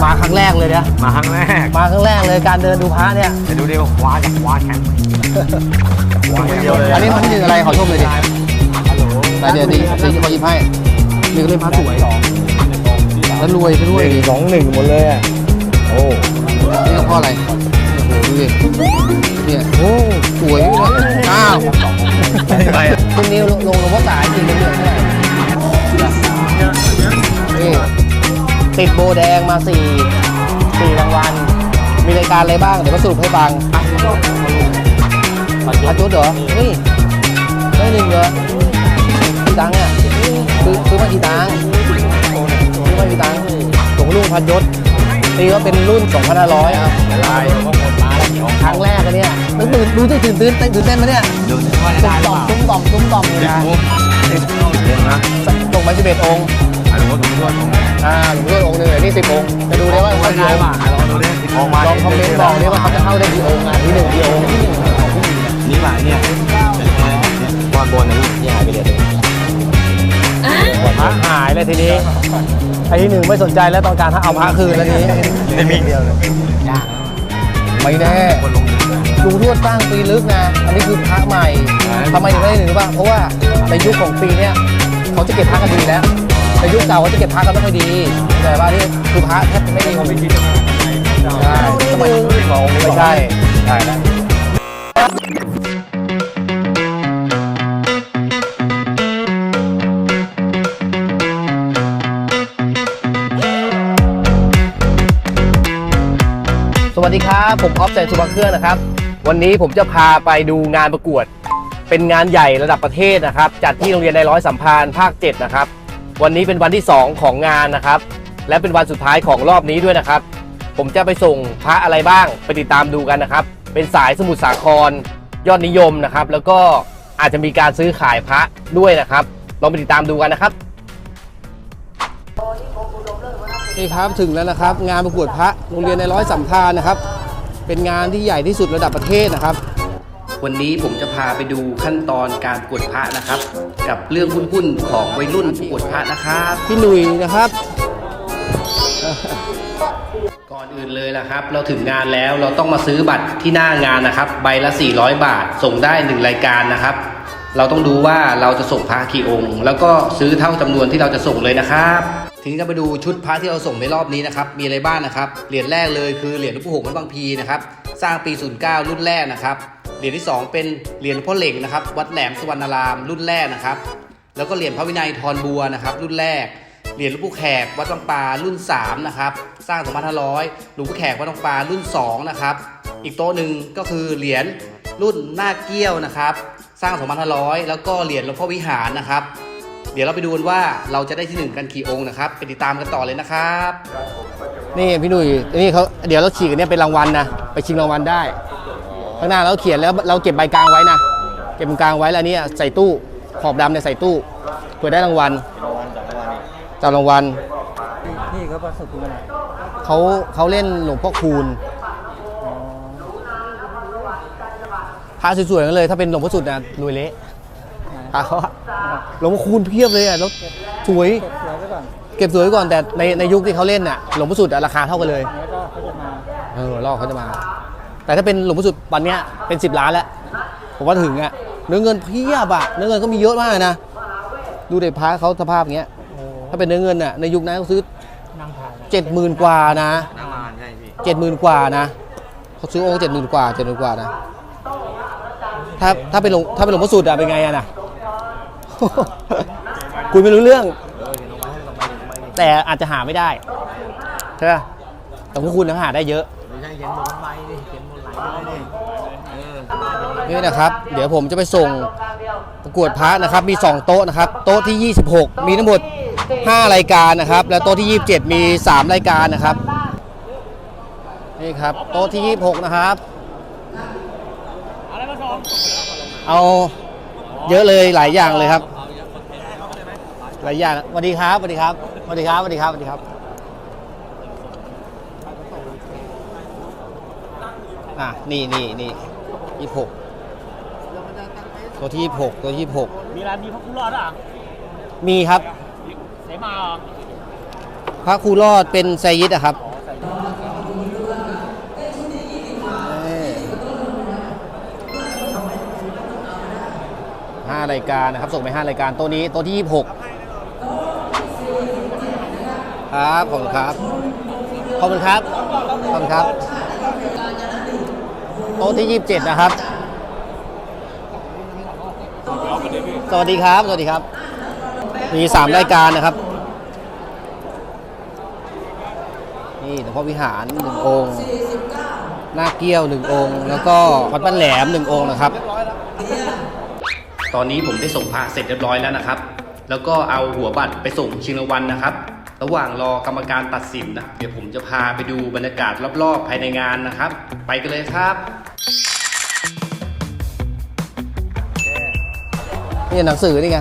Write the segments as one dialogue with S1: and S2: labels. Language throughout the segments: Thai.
S1: มาครั้งแรกเลยเนี่ย
S2: มาครั้งแรก
S1: เลยการเดินดูพระเนี่ย
S2: จะดูดิว่าคว้าจากคว้าแชมป์
S1: อันนี้มันคืออะไรขอชมเลยดิแต่เดี๋ยวดีเขายิ้มให้นี่ก็เล่นพระสวยแล้วรวยไปด้วย
S2: 1-2-1หมดเลยอ่ะโอ้
S1: นี่ก็เพราะอะไรโอ้โหดูดิเนี่ยโอ้สวยเลยอ้าวคุณนิวลงว่าสายจริงเป็นเรื่องเท่าไหร่นี่ติดโบแดงมา4รางวัลมีรายการอะไรบ้างเดี๋ยวมาสรุปให้ฟังพัดยศเหรอเฮ้ยได้1เหรอกี่ตังค์อ่ะซื้อมากี่ตังค์หลวงลุงพัดยศตีว่าเป็นรุ่น 2,500 ครับลายครั้งแรกกันเนี่ยดูที่ตื่นเต้นไหมเนี่ยตุ้มต่อมเลยนะส่งไป11 องค์
S2: หลวงพ่อองค์
S1: หนึ่งนี่10 องค์จะดูได้ว่าเขาได้ป่ะลองคอมเมนต์บอกได้ว่าเขาจะเข้าได้กี่องค์ที่1กี่องค์
S2: นี่หลายเนี่ยบอลบนนี่หายไปเลย
S1: หายเลยทีนี้ไอ้ที่1ไม่สนใจแล้วต้องการเอาพระคืนแล้วนี้
S2: ไม่มีเดียวเลยยาก
S1: ไม่แน่ลุงทวดสร้างปีลึกนะอันนี้คือพระใหม่ทำไมถึงได้1รู้ป่ะเพราะว่าในยุคของปีเนี้ยเขาจะเก็บพระกันดีแล้วในยุคเก่าเขาจะเก็บพระกันไม่ค่อยดีแต่ว่านี่คือพระแทบไม่ดีเขาไม่ดีใช่สมัยไม่ใช่แล้วสวัสดีครับผมออฟแสงสุภเครื่องนะครับวันนี้ผมจะพาไปดูงานประกวดเป็นงานใหญ่ระดับประเทศนะครับจัดที่โรงเรียนในร้อยสัมพันธ์ภาค7นะครับวันนี้เป็นวันที่2ของงานนะครับและเป็นวันสุดท้ายของรอบนี้ด้วยนะครับผมจะไปส่งพระอะไรบ้างไปติดตามดูกันนะครับเป็นสายสมุทรสาครยอดนิยมนะครับแล้วก็อาจจะมีการซื้อขายพระด้วยนะครับลองไปติดตามดูกันนะครับนี่ครับถึงแล้วนะครับงานประกวดพระโรงเรียนในร้อยสัมพันธ์นะครับเป็นงานที่ใหญ่ที่สุดระดับประเทศนะครับวันนี้ผมจะพาไปดูขั้นตอนการประกวดพระนะครับกับเรื่องหุ้นของวัยรุ่นประกวดพระนะครับพี่หนุ่ยนะครับก่อนอื่นเลยนะครับเราถึงงานแล้วเราต้องมาซื้อบัตรที่หน้างานนะครับใบละ400 บาทส่งได้1รายการนะครับเราต้องดูว่าเราจะส่งพระกี่องค์แล้วก็ซื้อเท่าจำนวนที่เราจะส่งเลยนะครับทีนี้ก็ไปดูชุดพระที่เราส่งในรอบนี้นะครับมีอะไรบ้างนะครับเหรียญแรกเลยคือเหรียญหลวงปู่หงส์วัดบางพีนะครับสร้างปี09รุ่นแรกนะครับเหรียญที่2เป็นเหรียญพ่อเหล่งนะครับวัดแหลมสุวรรณารามรุ่นแรกนะครับแล้วก็เหรียญพระวินัยทรบัวนะครับรุ่นแรกเหรียญหลวงปู่แขกวัดบางปลารุ่น3นะครับสร้าง2500หลวงปู่แขกวัดบางปลารุ่น2นะครับอีกโต๊ะหนึ่งก็คือเหรียญรุ่นหน้าเกี้ยวนะครับสร้าง2500แล้วก็เหรียญหลวงพ่อวิหารนะครับเดี๋ยวเราไปดูกันว่าเราจะได้ที่1กันกี่องค์นะครับไปติดตามกันต่อเลยนะครับนี่พี่หนุ่ยนี่เขาเดี๋ยวเราฉีกอันนี้เป็นรางวัลนะไปชิงรางวัลได้ข้างหน้าเราเขียนแล้วเราเก็บใบกลางไว้นะเก็บใบกลางไว้แล้วอันนี้ใส่ตู้ขอบดำเนี่ยใส่ตู้เพื่อได้รางวัลจับรางวัลนี่เขาประสบอะไรเขาเล่นหลวงพ่อคูณพระสวยๆกันเลยถ้าเป็นหลวงพ่อสุดนะรวยเละเขาหลวงพ่อคูณเพียบเลยอ่ะแล้วสวยเก็บสวยก่อนแต่ในยุคที่เขาเล่นน่ะหลวงพ่อสุดราคาเท่ากันเลยรอบเขาจะมาแต่ถ้าเป็นหลวงพ่อสุดวันนี้เป็น10 ล้านแล้วผมว่าถึงอ่ะเนื้อเงินเพียบอ่ะเนื้อเงินก็มีเยอะมากนะดูเด็กพระเขาสภาพอย่างเงี้ยถ้าเป็นเนื้อเงินน่ะในยุคนั้นเขาซื้อ70,000 กว่านะ70,000 กว่านะเขาซื้อองค์70,000 กว่านะถ้าเป็นหลวงพ่อสุดอะเป็นไงอะนะคุยไม่รู้เรื่องแต่อาจจะหาไม่ได้ใช่ไหมแต่พวกคุณหาได้เยอะนี่นะครับเดี๋ยวผมจะไปส่งประกวดพระนะครับมี2โต๊ะนะครับโต๊ะที่26มีทั้งหมด5รายการนะครับแล้วโต๊ะที่27มี3รายการนะครับนี่ครับโต๊ะที่26นะครับเอาเยอะเลยหลายอย่างเลยครับหลายอย่างสวัสดีครับนี่26ตัวที่26มีร้านมีพระครูรอดอ่ะมีครับเสมาพระครูรอดเป็นไซยิดอะครับ 5 รายการนะครับส่งไป5 รายการโต๊ะนี้โต๊ะที่26ครับขอบคุณครับขอบคุณครับขอบคุณครับโต๊ะที่27นะครับสวัสดีครับสวัสดีครับมี3 รายการนะครับนี่หลวงพ่อวิหาร1 องค์หน้าเกี้ยว1 องค์แล้วก็วัดบ้านแหลม1 องค์นะครับตอนนี้ผมได้ส่งพระเสร็จเรียบร้อยแล้วนะครับแล้วก็เอาหัวบัตรไปส่งชิงรางวัลนะครับระหว่างรอกรรมการตัดสินนะเดี๋ยวผมจะพาไปดูบรรยากาศรอบๆภายในงานนะครับไปกันเลยครับนี่หนังสือนี่ไง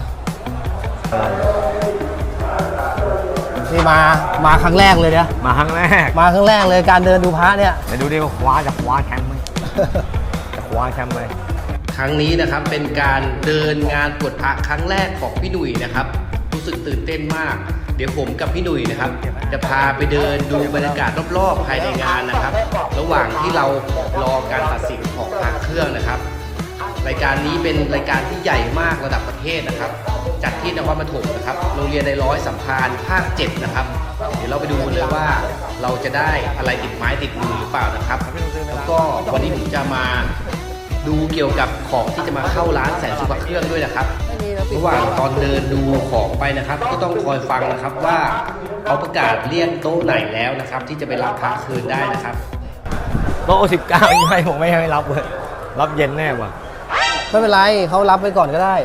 S1: นี่มาครั้งแรกเลยเนี่ย
S2: มาครั้งแรก
S1: มาครั้งแรกเลยการเดินดูพระเนี่ย
S2: ไปดูดิว่าคว้าแชมป์ไหม จะคว้าแชมป์ไหม
S1: ครั้งนี้นะครับเป็นการเดินงานตรวจพระครั้งแรกของพี่หนุ่ยนะครับรู้สึกตื่นเต้นมากเดี๋ยวผมกับพี่หนุ่ยนะครับจะพาไปเดินดูบรรยากาศรอบๆภายในงานนะครับ ระหว่างที่เรารอการตัดสินของพระเครื่องนะครับรายการนี้เป็นรายการที่ใหญ่มากระดับประเทศนะครับจัดที่นครปฐมนะครับโรงเรียนในร้อยสัมพันธ์ภาค 7นะครับเดี๋ยวเราไปดูกันเลยว่าเราจะได้อะไรติดไม้ติดมือหรือเปล่านะครับแล้วก็วันนี้ผมจะมาดูเกี่ยวกับของที่จะมาเข้าร้านแสนสุขเครื่องด้วยนะครับระหว่างตอนเดินดูของไปนะครับก็ต้องคอยฟังนะครับว่าเขาประกาศเรียกโต๊ะไหนแล้วนะครับที่จะไปรับพระคืนได้นะครับ
S2: โต๊ะ19ยังไงผมไม่ให้รับเลยรับเย็นแน่ว่ะ
S1: ไม่เป็นไรเขารับไปก่อนก็ได้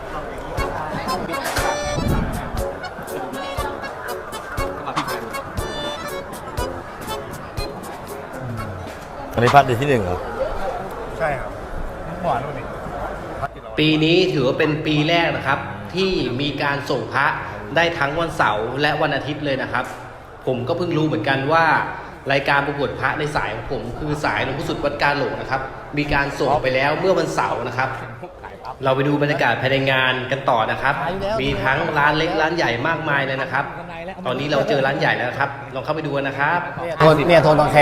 S2: อันนี้พัดเดือนที่1เหรอ
S3: ใช่ครับหวานนู่นนี่
S1: ปีนี้ถือว่าเป็นปีแรกนะครับที่มีการส่งพระได้ทั้งวันเสาร์และวันอาทิตย์เลยนะครับผมก็เพิ่งรู้เหมือนกันว่ารายการประกวดพระในสายของผมคือสายหลวงพ่อสุดวัดกาหลงนะครับมีการส่งไปแล้วเมื่อวันเสาร์นะครับเราไปดูบรรยากาศภายในงานกันต่อนะครับมีทั้งร้านเล็กร้านใหญ่มากมายเลยนะครับตอนนี้เราเจอร้านใหญ่แล้วนะครับลองเข้าไปดูกันนะครับโทนเนี่ยโทนบางแค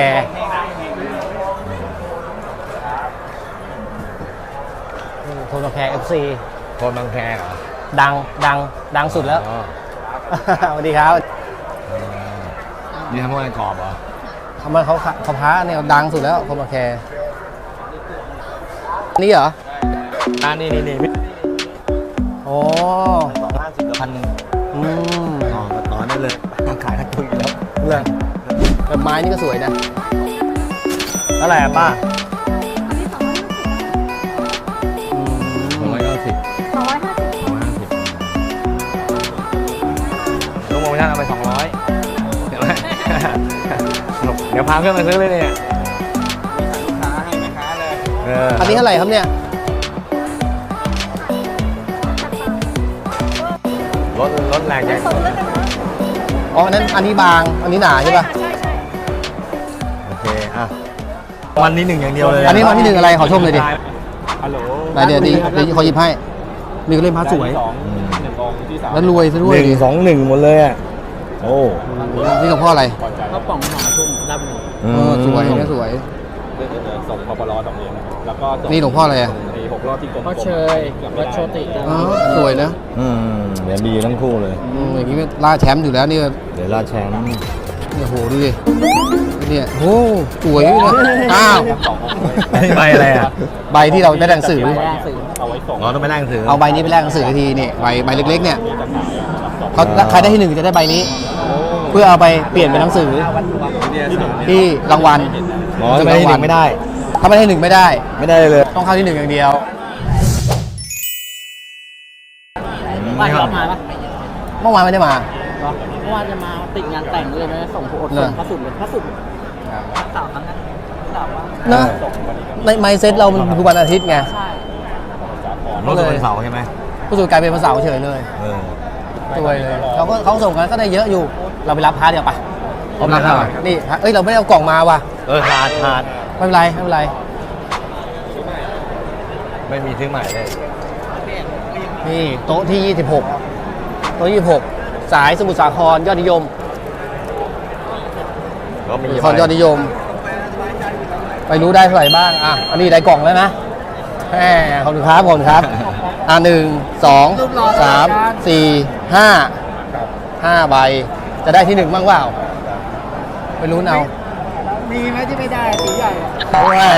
S1: โทนบางแค FC
S2: โทนบางแคเหรอ
S1: ดังสุดแล้ว
S2: อ๋อ
S1: สวัสดีครับ
S2: นี่ทำอะไรกรอบเหรอ
S1: ทำไมเขาพระเนี่ยดังสุดแล้วโทนบางแคนี่เหรอ
S2: นี่
S1: โอ้
S2: 250กับ1,000อ๋อก็ต่อได้เลยขายทั้งทุนอยู่แล้ว
S1: เลยแบบไม้นี่ก็สวยนะ
S2: เท่าไหร่อะป้า
S4: 250
S2: ลงโมชั่นเอาไป200เดี๋ยวเดี๋ยวพาเพื่อนมาซื้อเลยเนี่ย
S3: ลูกค้าให้แม่ค้าเลย
S1: อันนี้เท่าไหร่ครับเนี่ย
S2: รถแรงใหญ่
S1: อ๋ออันนี้บางอันนี้หนาใช่ป่ะ
S2: โอเคอ่ะวันนี้1อย่างเดียวเลย
S1: อันนี้วันที่ 1อะไรขอชมเลยดิ
S3: ฮัลโหล
S1: ไหนเดี๋ยวขอหยิบให้มีก็เล่นพระสวย
S3: 1 องค์ที่3
S1: แล้วรวยซะด้วย
S2: 1 2 1หมดเลยอ่ะโอ้
S1: นี่หลวงพ่ออะไร
S3: เขาป่องหาทุ่มรับหนึ่ง
S1: สวยเนี่ยสวย
S3: ส่งพปล2 เหรียญแล้วก็
S1: นี่หลวงพ่ออะไรอ่ะ
S3: ไอ้6 รอบที่กลมๆ
S4: พ่อเชยวัดโชติ
S1: อ๋อสวยนะ
S2: เดี๋ยวดีทั้งคู่เลย
S1: อย่างนี้ล่าแชมป์อยู่แล้วนี่
S2: เดี๋ยวราดแชมป์
S1: เนี่ยโหดูดิเนี่ยโอ้สวยเลยอ้าว
S2: นี่ใบอะไรอ่ะ
S1: ใบที่เราได้หนังสือ
S3: เอาไว้ส่ง
S2: อ๋อต้องไปแลกหนังสือ
S1: เอาใบนี้ไปแลกหนังสือทีนี่ใบเล็กๆเนี่ยเขาใครได้ที่ 1จะได้ใบนี้ เพื่อเอาไปเปลี่ยนเป็นหนังสือที่รางวัล
S2: อ๋อไม่ได้1ไม่ได้
S1: ถ้าไม่ได้1ไม่ได้
S2: ไม่ได้เลย
S1: ต้องเข้าที่ 1อย่างเดียว
S4: บ้านรับมาปะ
S1: เมื่อวานไม่ได้มา
S4: เมื่อวานจะมาติดงานแต่งเลยนะส่งผู้อดส่งพระสุดเลยพระสุดสาวครั้งนั้นสาวว่า
S1: เนอะในไมเซ็ตเรามันคือวันอาทิตย์ไง
S4: ใช่
S2: รถวันเสาร์ใช่ไหม
S1: ผู้สูงกลายเป็นวันเสาร์เฉยเลย สวยเลยเขาส่งกันก็ได้เยอะอยู่ เราไปรับพาร์ทเดียวปะ
S2: เอามาครับ
S1: นี่เอ้ยเราไม่ได้เอากล่องมาว่ะ
S2: ขาด
S1: ไม่เป็นไรไม่เป็นไร
S2: ไม่มีซื้อใหม่เลย
S1: นี่โต๊ะที่ 26 โต๊ะ26 สายสมุทรสาครยอดนิยม
S2: ก็มี
S1: สาครยอดนิยม ไปรู้ได้เท่าไหร่บ้างอ่ะอันนี้ได้กล่องแล้วนะแหมขอบคุณครับขอบคุณครับ1 2 3 4 5 ใบจะได้ที่1บ้างเปล่าไปลุ้นเอา
S4: มีไหมที่ไม่ได้สีใหญ่
S1: แหม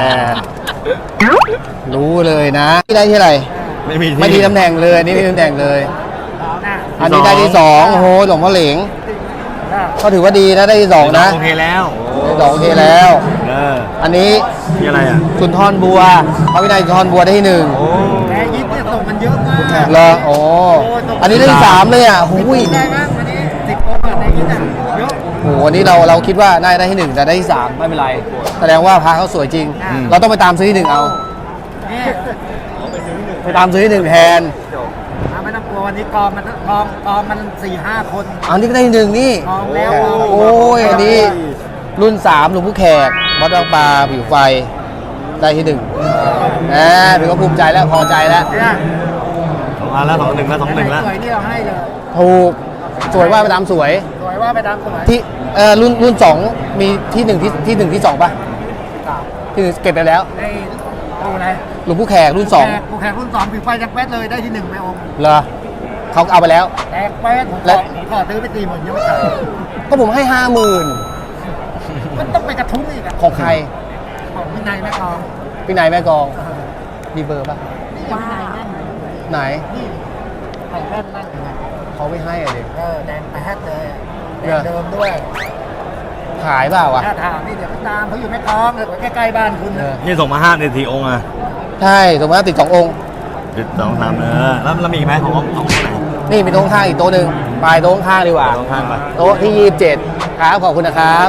S1: รู้เลยนะที่ได้ที่อะไร
S2: ไม่มี
S1: ไม่ดีตำแหน่งเลยอันนี่ไม่ดีตำแหน่งเลย
S4: หน้า
S1: อันนี้ได้ที่2โอ้โหหลวงพ่อเหลงก็ถือว่าดีนะได้ที่2นะ
S2: โอเคแล้ว
S1: ได้2โอเคแล้ว อันนี้
S2: นี่อะไรอ่ะ
S1: สุนทรบัวพระวินัยสุนทรบัวได้ที่1
S2: โอ้
S4: แพ้ยิปเนี่ยส่งมันเยอะมาก
S1: เหรอโอ้อันนี้ได้ที่3เลยอ่ะหูย
S4: ได้บ้างวันนี้10 องค์อะในยิปน่ะเยอะ
S1: โหวันนี้เราคิดว่าน่าจะได้ที่1แต่ได้ที่3ไม่เป็นไรแสดงว่าพระเขาสวยจริง เราต้องไปตามซื้อที่1เอา
S4: นี่
S1: ไปตามซื้อที่1แทน
S4: ไม่ต้องกลัววันนี้กองมัน 4-5 คน
S1: อันนี้ก็ได้ที่1นี่
S4: กองแล้ว
S1: โอ้ยอันนี้รุ่น3หลวงพ่อแขกวัดบางปลาผิวไฟได้ที่1ถือว่าภูมิใจแล้วพอใจแล้ว
S4: เนี่ย
S2: 2 อันแล้ว2 1แล้ว2 1แล้ว
S4: สวยที่เราให้เลย
S1: ถูกสวยว่าไปตามสวย
S4: สวยว่าไปตามสวย
S1: ที่รุ่น2มีที่1ที่1ที่2ป่ะที่1เก็บไปแล้ว
S4: ได้ดูอะไร
S1: หลวงพ่อแขกรุ่น
S4: กูแข่งรุ่น2ผิวไฟยังแป๊ดเลยได้ที่1ไปองค์
S1: 2เหรอเขาเอาไปแล้ว
S4: แตกแป๊ดผม
S1: และ
S4: ขอซื้อไป40,000ยังไม่ขาย
S1: ก็ผมให้ 50,000
S4: มันต้องไปกระทุ้งอีกอะ
S1: ของใคร
S4: ของวินัยแม่กอง
S1: พี่นายแม่กองมีเบอร์ป่ะ
S4: นี่ยังวินัยนั่น
S1: ไหน
S4: นี่ไข่แว่นนั่นไง
S1: เขาไม่ให้อะดิ
S4: แดงแป๊ดเลยแด
S1: เหรอ
S4: งเดิมด้วย
S1: ขายเปล่าวะ
S4: ถ้าถามนี่เดี๋ยวไปตามเขาอยู่แม่กองเลยใกล้ๆบ้านคุณ
S1: เอ
S4: นะ
S1: อ
S2: นี่ส่งมา5นาทีองค์อ่ะ
S1: ใช่สมมติว่าติด2 องค์
S2: ติด2 3แล้วมีอีกไหมของไหน
S1: นี่มีโต๊ะข้างอีกโต๊ะหนึ่งไปโต๊ะข้างดีกว่า
S2: โต๊ะข้างไป
S1: โต๊ะที่27ครับขอบคุณนะครับ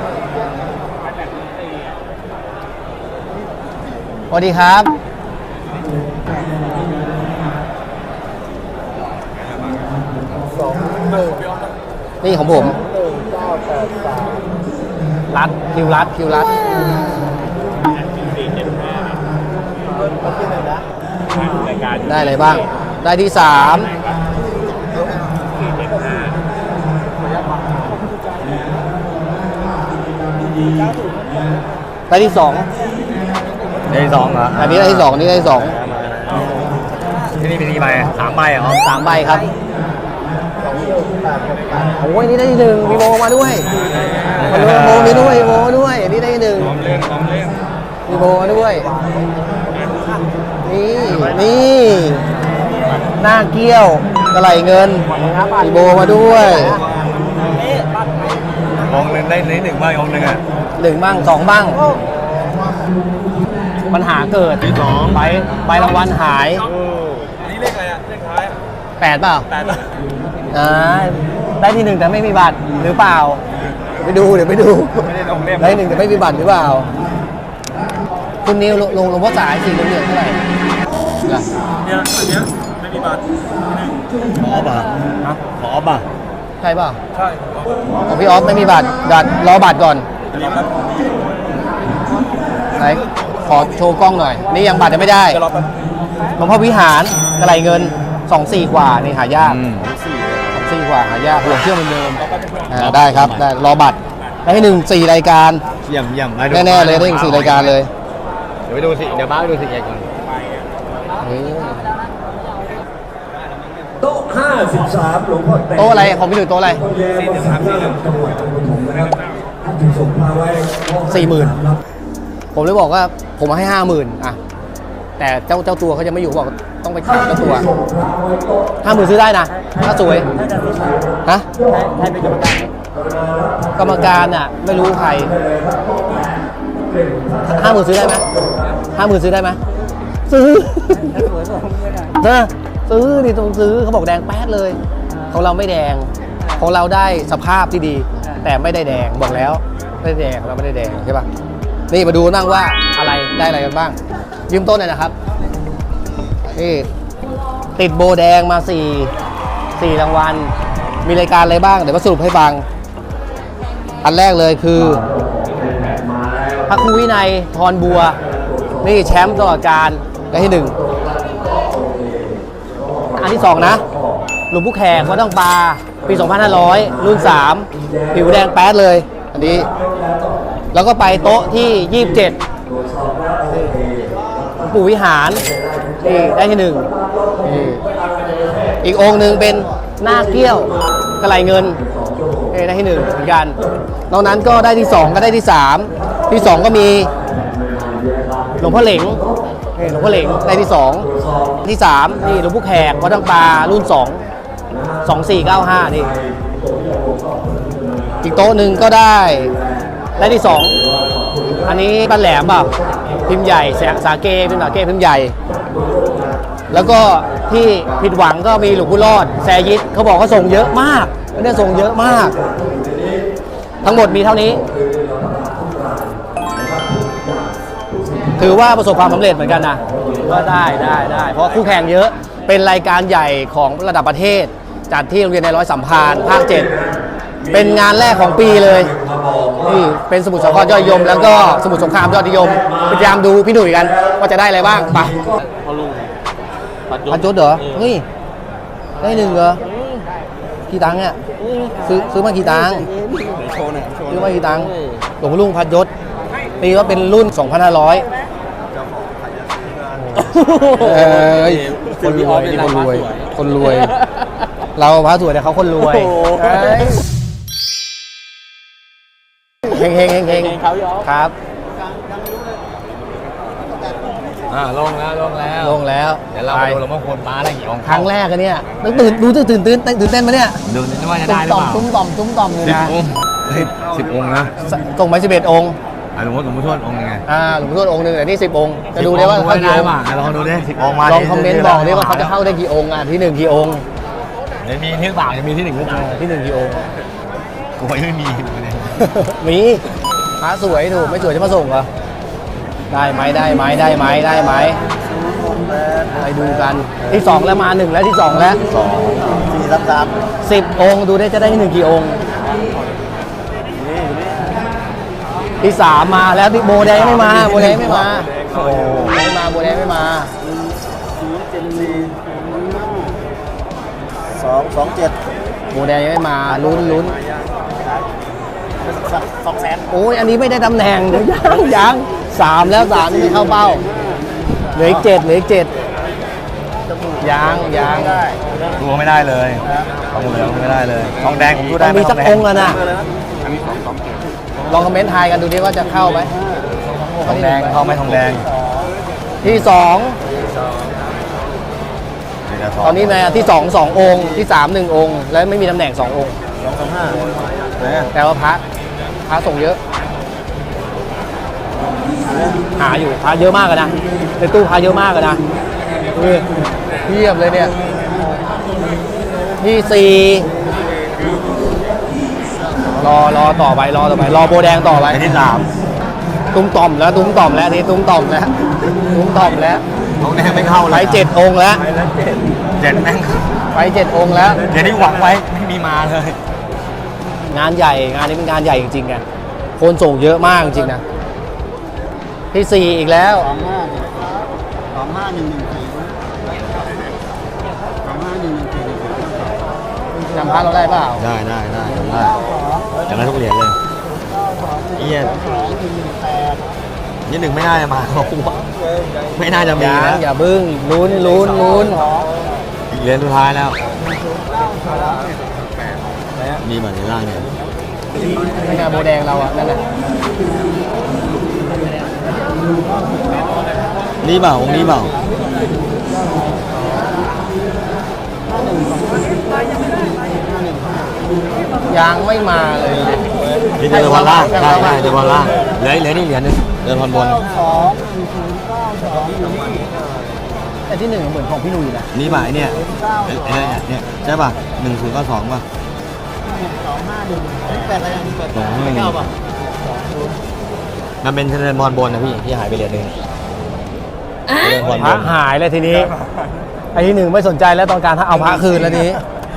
S1: สวัสดีครับนี่ของผมรัดคิวรัดได้อะไรบ้าง ได้ที่3ได้ที่2
S2: ได้2เหรอ
S1: อันนี้ได้ที่2อันนี้ได้ที่2
S2: ที่นี่มีกี่ใบ3 ใบเหรอ
S1: 3 ใบครับโอ้ยนี่ได้ที่1มีโมมาด้วยโมมีด้วยโมมาด้วยอันนี้ได้ที่1มีโมมาด้วยนี่หน้าเกี้ยวกระไหลเงินมีโบมาด้วย
S2: องค์หนึ่งได้1 ใบองค์หนึ่งอ่ะ
S1: 1 บ้าง 2 บ้าง ปัญหาเกิด
S2: ที่2
S1: ใบรางวัลหาย
S3: อันนี้เลขอะไรอ่ะ เลขท้าย
S1: 8เปล่า
S3: 8
S1: ได้ที่ 1แต่ไม่มีบัตรหรือเปล่าไปดูเดี๋ยวไปดู
S3: ไม่ได้ลงเล่ม
S1: ได้1แต่ไม่มีบัตรหรือเปล่าคุณนิวลงหลวงพ่อสายสีเหลืองเท่าไหร่ล่ะ
S3: เนี่ยอันเนี้ยไม่มีบัตร
S2: ขอป่ะขอป่ะ
S1: ใช่เปล่า
S3: ใช่
S1: ของพี่ออฟไม่มีบัตรรอบัตรก่อน
S3: อันนี้ครับ
S1: ไหนขอโชว์กล้องหน่อย นี่ยังบัตรยังไม่ได้
S3: จะรอแป๊บ
S1: หลวงพ่อวิหารกระไหลเงิน 2-4 กว่านี่หายาก2-4 กว่าหายากหลวงเชื่อเหมือนเดิมได้ครับได้รอบัตรได้ที่ 1 4 รายการ
S2: เยี่ยม
S1: แน่ๆเลยได้ถึง4 รายการเลย
S2: เดี๋ยวไปดูสิเดี๋ยวบ้าไปดูสิเอกก่อน
S5: โต๊ะ53หลวงพ่อแต่ง
S1: โต๊ะอะไรของพี่หนุ่ยโต๊ะอะไร
S5: ท่านจึงส่งมาไว้
S1: 40,000ผมเลยบอกว่าผมให้ 50,000อ่ะแต่เจ้าตัวเขาจะไม่อยู่บอกต้องไปถามเจ้าตัว 50,000ซื้อได้นะถ้าสวยฮะ
S4: ให้เป็นกรรมการ
S1: กรรมการอ่ะไม่รู้ใคร 50,000ซื้อได้ไหม50,000ซื้อได้ไหมซื้อ
S4: สวยผมไม่ได้
S1: ซื้อดิต้องซื้อเขาบอกแดงแป๊ดเลย ของเราไม่แดงของเราได้สภาพที่ดี แต่ไม่ได้แดงบอกแล้วไม่ได้แดงเราไม่ได้แดงใช่ปะนี่มาดูบ้างว่าอะไรได้อะไรกันบ้าง ยืมต้นหน่อยนะครับนี่ติดโบแดงมา4 รางวัลมีรายการอะไรบ้างเดี๋ยวมาสรุปให้ฟัง อันแรกเลยคือพระครูวินัยทรบัวนี่แชมป์ตลอดการได้ที่ 1 อันที่ 2 นะหลวงพ่อแขกวัดต้องปลาปี 2500 รุ่น 3 ผิวแดงแป๊ดเลย อันนี้แล้วก็ไปโต๊ะที่ 27 งปู่วิหารนี่ได้ที่หนึ่งนี่อีกองค์หนึ่งเป็นหน้าเกี้ยวกระไหลเงินนี่ได้ที่หนึ่งเหมือนกันนอกนั้นก็ได้ที่สองก็ได้ที่สามที่สองก็มีหลวงพ่อเหลงนี่หลวงพ่อเหลงได้ที่สองที่สามนี่หลวงพ่อแขกวัดตังปลารุ่น2495นี่อีกโต๊ะหนึ่งก็ได้ที่สองอันนี้บ้านแหลมเปล่าพิมพ์ใหญ่สาเกพิมพ์พิมพ์ใหญ่แล้วก็ที่ผิดหวังก็มีหลวงปู่รอดแซยิดเขาบอกเขาส่งเยอะมากเนี่ยส่งเยอะมากทั้งหมดมีเท่านี้ถือว่าประสบความสำเร็จเหมือนกันนะว่าได้เพราะคู่แข่งเยอะเป็นรายการใหญ่ของระดับประเทศจัดที่โรงเรียนในร้อยสัมพันธ์ภาค 7เป็นงานแรกของปีเลยนี่เป็นสมุทรสาครยอดนิยมแล้วก็สมุทรสงครามยอดนิยมพยายามดูพี่หนุ่ยกันว่าจะได้อะไรบ้างไปพันยศเหรอเฮ้ยได้หนึ่งเหรอกี่ตังค์เนี่ยซื้อมากี่ตังค์ซื้อมากี่ตังค์หลวงพ่อลุงพันยศปีว่าเป็นรุ่น 2,500คนรวยนี่คนรวยเราพระสวยแต่เขาคนรวยเฮงครับ
S2: ลงแล้ว เดี๋ยวเราไปดูหลวงพ่อคูณม้าอะไรอย่างเงี้ย
S1: ครั้งแรกกันเนี่ยตื่นเต้นไหมเนี่ย
S2: ดูนี่ว่าจะได้หรือเปล่า
S1: ตุ้มต่อมเลยนะ
S2: 10 องค์นะ
S1: ส่งไป11 องค์
S2: หลวงพ่อทวดองค์ยังไง
S1: หลวงพ่อทวดองค์หนึ่งแต่นี่10 องค์จะดูได้ว่าเขากี่องค์
S2: ลองดูดิ10 องค์มา
S1: ลองคอมเมนต์บอกดิว่าเขาจะเข้าได้กี่องค์ที่1กี่องค์
S2: เดี๋ยวมีที่1จะมีที่1หรือเปล่า
S1: ที่1กี่องค์
S2: กูไม่มี
S1: มีพระสวยถูกไม่สวยจะมาส่งเหรอได้ไหมไปดูกันที่2แล้วมา1แล้วที่2แล้ว10 องค์ดูได้จะได้ที่1กี่องค์ที่3มาแล้วที่โบแดงไม่มาโบแดงไม่มาโบแดงไม่มา
S5: 227
S1: โบแดงยังไม่มาลุ้น
S5: 200,000
S1: โอ้ยอันนี้ไม่ได้ตำแหน่งยัง3แล้ว3นี่ไม่เข้าเป้าเหลืออีก7ยัง
S2: ดูไม่ได้เลยทองเหลืองไม่ได้เลยทองแดงผมดูได้
S1: มีสักองค์แล้วนะลองคอมเมนต์ทายกันดูดิว่าจะเข้าไหม
S2: ทองแดงเข้าไหมทองแดง
S1: ที่2ตอนนี้ในที่2 2 องค์ที่3 1 องค์แล้วไม่มีตำแหน่ง2 องค์แต่ว่าพระส่งเยอะหาอยู่พระเยอะมากเลยนะในตู้พระเยอะมากเลยนะเทียบเลยเนี่ยที่4รอต่อไปรอโบแดงต่อไป
S2: ที่3
S1: ตุ้มต่อมแล้วนี่ตุ้มต่อมแล้ว
S2: ทองแดงไม่เข้าเลย
S1: ไป7 องค์แล้ว
S2: 7แม่ง
S1: ไป7 องค์แล้ว
S2: เดี๋ยวที่หวังไว้ไม่มีมาเลย
S1: งานใหญ่งานนี้เป็นงานใหญ่จริงๆไงคนส่งเยอะมากจริงๆนะที่4อีกแล้วจำพระเราได้เปล่า
S2: ได้จำได้ทุกเหรียญเลยนี่1ไม่น่าจะมาไม่น่าจะมีนะ
S1: อย่าบึ้งลุ้น
S2: อีกเหรียญสุดท้ายแล้วมีแบบในล่างเนี่ย
S1: ไม่งานโบแดงเราอ่ะนั่นแหละ
S2: นี่เปล่าองค์นี้เปล่า
S1: ยังไม่มาเลย
S2: นี่เดินวันล่างได้เดินวันล่างเหลือนี่เหรียญนึงเดินวันบน
S1: แต่ที่1เหมือนของพี่นุ้ยนะ
S2: นี่ป่ะเนี่ยใช่ป่ะ1092ป่ะมันเป็นเดินวันบนนะพี่ที่หายไปเหรียญนึง
S1: พระหายเลยทีนี้ไอ้ที่1ไม่สนใจแล้วต้องการเอาพระคืนแล้วนี้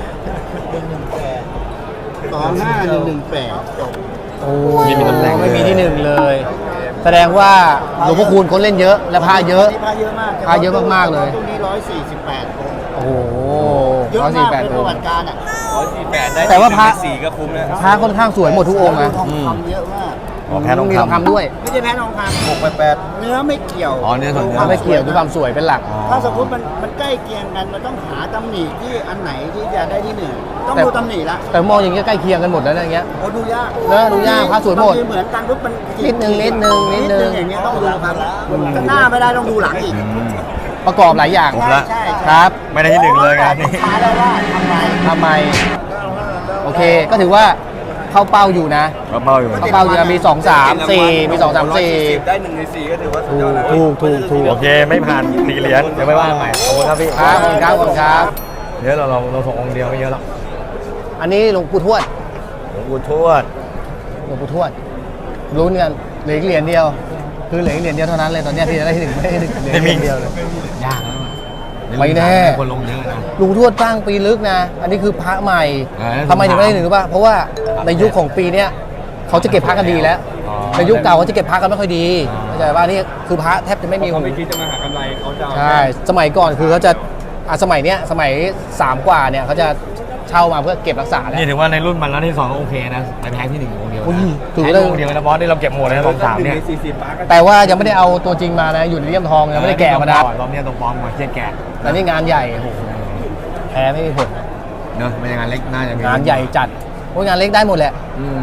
S5: 2518จบ
S1: โอ้ไม่มีที่1เลยแสดงว่าหลวงพ่อคูณคนเล่นเยอะและพระเยอะมากเลย
S5: ตรงนี้148
S1: โอ้โห
S5: 148ประวัติการ
S3: 148ได้
S1: แต่ว่าพระ
S3: 4ก็คุ้มนะ
S1: พระค่อนข้างสวยหมดทุกองค์นะ
S5: ทองคำเยอะมาก
S2: อ๋อแพ้ทอง
S1: มีทอง
S2: คำ
S1: คำด้วย
S4: ไม่ใช่แพ้ทองคำ
S3: 688
S4: เนื้อไม่เกี่ยว
S2: อ๋อเนื้อส่วนเนื้อ
S1: ไม่เกี่ยวด้วยความสวยเป็นหลัก
S4: ถ้าสมมติมันใกล้เคียงกันมันต้องหาตำหนิที่อันไหนที่จะได้ที่หนึ่งต้อง
S1: แต่
S4: ดูตำหนิละ
S1: แต่มองอย่างเงี้ยใกล้เคียงกันหมดแล้วนะอย่างเงี้ย
S4: โอ้ดูยาก
S1: เนอะดูยากพระสวยหมด
S4: บางทีเหมือนกันปุ๊บมัน
S1: นิดนึง
S4: อย่างเงี้ยต้องดูครับจะหน้าไม่ได้ต้องดูหลังอีก
S1: ประกอบหลายอย่าง
S2: ผมละ
S4: ใช่
S1: ครับ
S2: ไม่ได้ที่หนึ่งเลยงานนี้
S4: ช้าได้ว่าทำไม
S1: ทำไม โอเค ก็ถือว่าเข้าเป้าอยู่นะ
S2: เบาอยู่
S1: เข้าเป้าอยู่นะมี 2 3 4 มี 2 3 4
S3: ได้1 ใน 4ก็ถือว่าสุดยอดแล้ว
S1: ถูก
S2: โอเคไม่ผ่าน4เหรียญเดี๋ยวไม่ว่าใหม่ขอบคุณครับพี่
S1: ครับขอบคุณครับขอบคุณครับ
S2: เดี๋ยวเราส่งองค์เดียวไม่เยอะหรอก
S1: อันนี้หลวงปู่ทวด
S2: หลวงปู่ทวด
S1: หลวงปู่ทวดลุ้นกันเหลืออีกเหรียญเดียว คือเหลืออีกเหรียญเดียวเท่านั้นเลยตอนเนี้ยที่จะได้ที่หนึ่งไม่ได้เหลืออีกเหรียญเดียวเลยยากนะไม่แน่
S2: คนลงเยอะนะ
S1: หลวงทวดสร้างปีลึกนะ อันนี้คือพระใหม่
S2: เออ
S1: ทำไมถึงไม่ได้หนึ่งรู้ป่ะเพราะว่าในยุคของปีเนี้ยเขาจะเก็บพระกันดีแล้ว
S2: อ๋อ
S1: ในยุคเก่าเขาจะเก็บพระกันไม่ค่อยดีเข้าใจป่ะนี่คือพระแทบจะไม่มี
S3: เขาไม่คิดจะมาหากำไรเขาจะเอา
S1: ใช่สมัยก่อนคือเขาจะสมัยเนี้ยสมัย3 กว่าเนี่ยเขาจะเช่ามาเพื่อเก็บรักษาแล้ว
S2: นี่ถือว่าในรุ่นมันแล้วที่2ก็โอเคนะไปแพ้ที่1องค์เดียว
S1: อุ้ยถือ
S2: แพ้
S1: ว่า
S2: องค์เดียวนะบอสนี่เราเก็บหมดเลยนะสามเนี่ย
S3: 1 ใน 40 ปาร์ก็
S1: แต่ว่ายังไม่ได้เอาตัวจริงมานะอยู่ในเลี่ยมทองยังไม่ได้แกะมานะ
S2: รอบนี้ต้องปลอมมาเครียดแกะ
S1: แต่นี่งานใหญ่โอ้โหแพ้ไม่มีผลนะ
S2: เนอะไม่ใช่งานเล็กน่าจะมี
S1: งานใหญ่จัดโอ้ยงานเล็กได้หมดแหละ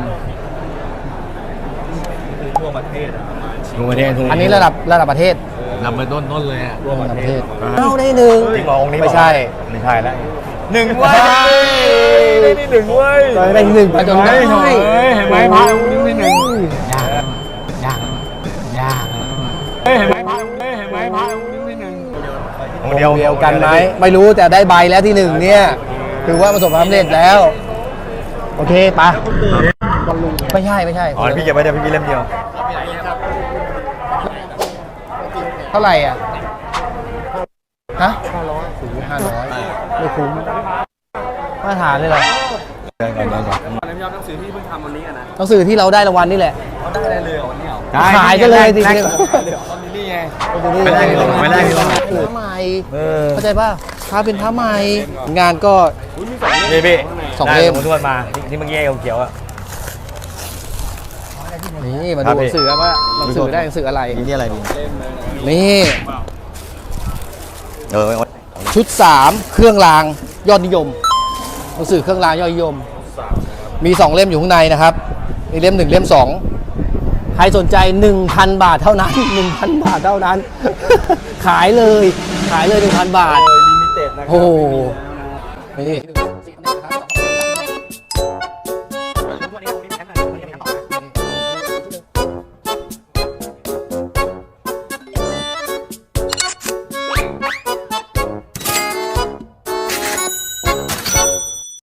S3: ทั่วประเทศประมาณ
S2: ทั่วประเทศ
S1: อันนี้ระดับประเทศ
S2: นำไปต้นเลยอ่ะ
S1: ระดับประเทศเอาได้หนึ่ง
S2: จริงเหรอองค์นี้
S1: ไม่ใช่
S2: ไม่ใช่แล้ว1เว้ยได้ที่1เว้ย
S1: ได้ที่หนึ่งไปจนได้
S2: เห็นไหมพระองค์นี้ที่หนึ่งยากเห็นไหมพระองค์นี้เห็นไหมพระองค์นี้ที่หนึ่งองค์เดียว
S1: เดียวกันไหมไม่รู้แต่ได้ใบแล้วที่หนึ่งเนี่ยถือว่าประสบความสำเร็จแล้ว โอเคไปะไม่ใช่
S2: อ๋อพี่เก็บไว้เดี๋ยวพี่เล่มเดียว
S1: เท่าไหร่อ่ะฮะ500ไม่คุ้มมาตรฐานเลยเหรอ
S2: เดินก่อน
S3: แล้วพี่ยอดหนังสือที่เพิ่งทำวันนี้อะนะ
S1: หนังสือที่เราได้รางวัลนี่แหละ
S3: เขาได้อะไรเลยเหรอวันนี้เหรอ
S1: ขายกันเลยสิ
S2: แรก
S3: ตอนนี้นี่ไง
S2: ไม่ได้ที่ลงไม่ได้ที่ลง
S1: พระใหม่ เข้าใจป่ะพระเป็นพระใหม่ งานก็
S2: นี่พี่
S1: สองเล่ม
S2: ได้หลวงปู่ทวดมาที่เมื่อกี้ไอ้เขียวๆอ่ะ
S1: นี่มา
S2: ครั
S1: ดู
S2: บ
S1: ห
S2: พี่
S1: นังสือว่าหนังสือได้หนังสืออะไร
S2: นี่อะไรดี
S1: นี่
S2: เออ
S1: ชุด 3 เครื่องรางยอดนิยมหนังสือเครื่องรางยอดนิยม มี 2 เล่มอยู่ข้างในนะครับมีเล่ม 1 เล่ม 2 ใครสนใจ 1,000 บาทเท่านั้น 1,000 บาทเท่านั้น ขายเลย 1,000 บาท
S3: ลิมิเต็ดนะครับ
S1: โอ้โหนี่